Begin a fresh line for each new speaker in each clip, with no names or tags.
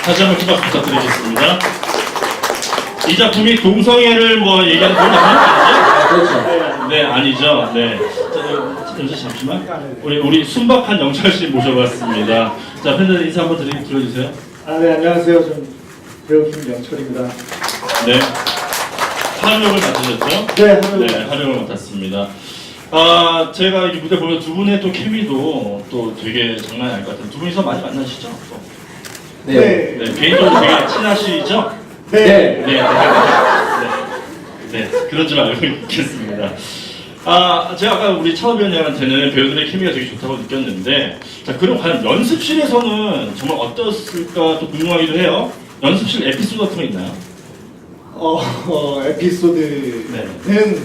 다시 한번 기박 부탁드리겠습니다. 이 작품이 동성애를 뭐 얘기하는 그런 작품은 아니죠?
그렇죠.
네, 아니죠. 네. 자, 잠시만. 우리 순박한 영철 씨 모셔봤습니다. 자, 팬들 인사 한번 들어주세요.
네, 안녕하세요. 전 배우 김영철입니다.
네. 하령을 맡으셨죠?
네,
하령을 맡았습니다. 제가 이 무대 보면 두 분의 또 케미도 또 되게 장난이 아닐 것 같아요. 두 분이서 많이 만나시죠? 또.
네.
네, 개인적으로 되게 친하시죠?
네.
네, 그런 줄 알고 있겠습니다. 제가 아까 우리 차우변님한테는 배우들의 케미가 되게 좋다고 느꼈는데, 자, 그럼 과연 연습실에서는 정말 어땠을까 또 궁금하기도 해요. 연습실 에피소드 같은 거 있나요?
에피소드는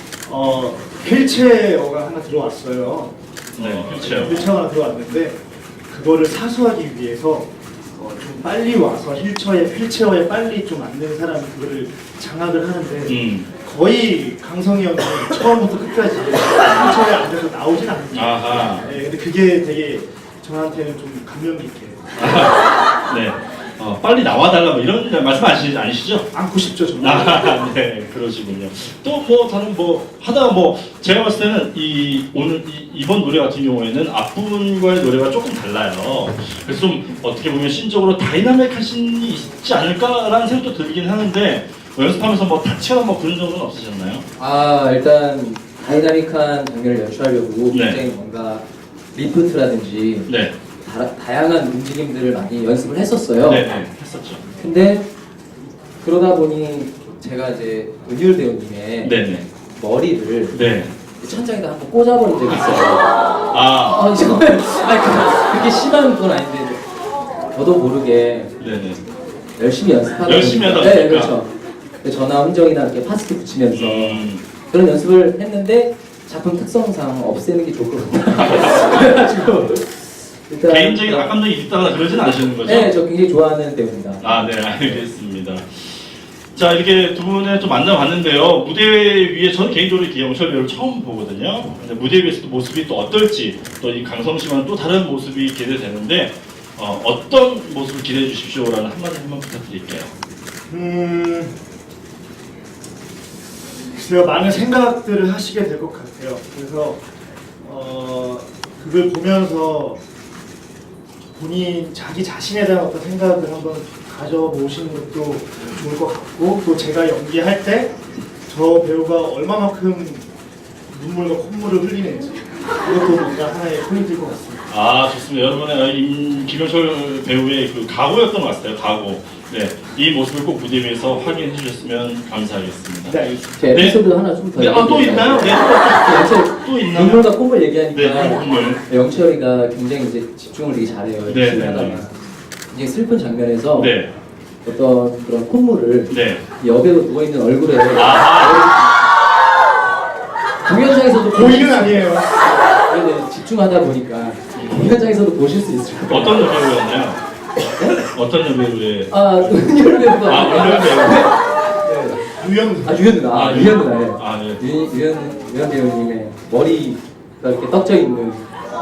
휠체어가 하나 들어왔어요.
네, 휠체어.
휠체어가 하나 들어왔는데 그거를 사수하기 위해서 좀 빨리 와서 휠체어에 빨리 좀 앉는 사람이 그거를 장악을 하는데 거의 강성이 형이 처음부터 끝까지 휠체어에 앉아서 나오진 않는다.
아하.
네, 근데 그게 되게 저한테는 좀 감명 깊게.
네. 빨리 나와달라 뭐 이런 말씀 아니시죠?
안고 싶죠, 정말.
네, 그러시군요. 또 뭐 다른 뭐 하다가 뭐 제가 봤을 때는 이번 노래 같은 경우에는 앞부분과의 노래가 조금 달라요. 그래서 좀 어떻게 보면 신적으로 다이나믹한 신이 있지 않을까라는 생각도 들긴 하는데 뭐 연습하면서 뭐 다치거나 뭐 그런 적은 없으셨나요?
일단 다이나믹한 장면을 연출하려고
네.
굉장히 뭔가 리프트라든지
네,
다양한 움직임들을 많이 연습을 했었어요.
네, 했었죠.
근데 그러다 보니 제가 이제 은율 배우님의
네,
머리를
네.
천장에다 한번 꽂아버린 적이 있어요. 정말 그렇게 심한 건 아닌데 저도 모르게
네.
열심히 연습하다
열심히 하다
보니까. 네,
보니까.
그렇죠. 전화 흔적이나 이렇게 파스트 붙이면서
음.
그런 연습을 했는데 작품 특성상 없애는 게 좋을 것 같아요. 그래가지고 일단
개인적인 악감정이 있다거나 그러진 않으시는 거죠?
네, 저 굉장히 좋아하는 배우입니다.
네, 알겠습니다. 자, 이렇게 두 분의 또 만나봤는데요. 무대 위에 저는 개인적으로 이영철 배우를 처음 보거든요. 근데 무대 위에서 또 모습이 또 어떨지, 또 이 강성 씨와는 또 다른 모습이 기대되는데 어떤 모습을 기대해 주십시오라는 한마디 한번 부탁드릴게요.
글쎄요, 많은 생각들을 하시게 될 것 같아요. 그래서 그걸 보면서 본인 자기 자신에 대한 어떤 생각을 한번 가져보시는 것도 좋을 것 같고, 또 제가 연기할 때 저 배우가 얼마만큼 눈물과 콧물을 흘리는지 그것도 뭔가 하나의 포인트일 것 같습니다.
좋습니다. 여러분의 김영철 배우의 그 각오였던 것 같아요. 각오. 네, 이 모습을 꼭 무대 위에서 확인해 주셨으면 감사하겠습니다.
네, 알겠습니다.
제 에피소드 하나 좀 더.
네, 또 있나요? 네, 또 있나요?
눈물과 콧물 얘기하니까
네, 눈물.
영철이가 굉장히 이제 집중을 되게 잘해요.
네,
열심히 하다가 이제 슬픈 장면에서
네,
어떤 그런 콧물을
네.
여배우 누워 있는 얼굴에
아하.
공연장에서도
고의는 아니에요.
네, 집중하다 보니까 공연장에서도 보실 수 있을 것 같아요.
어떤 여배우였나요? 어떤 여배우의?
은율 배우가
은율 배우.
네.
유연.
유연 누나. 유연 누나.
네.
유연 배우님의 머리가 이렇게 떡져 있는.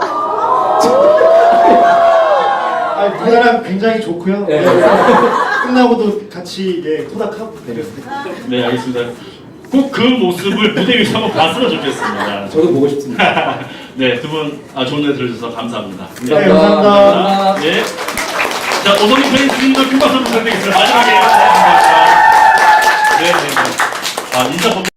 두 사람 굉장히 좋고요.
네.
끝나고도 같이 토닥하고 그랬습니다.
네, 알겠습니다. 꼭 그 모습을 무대 위에서 한번 봤으면 좋겠습니다.
저도 보고 싶습니다.
네, 두 분 좋은 노래 들어주셔서 감사합니다.
네, 감사합니다.
네. 자, 오성희 팬님들 큰 박수 부탁드리겠습니다. 마지막에. 네, 인사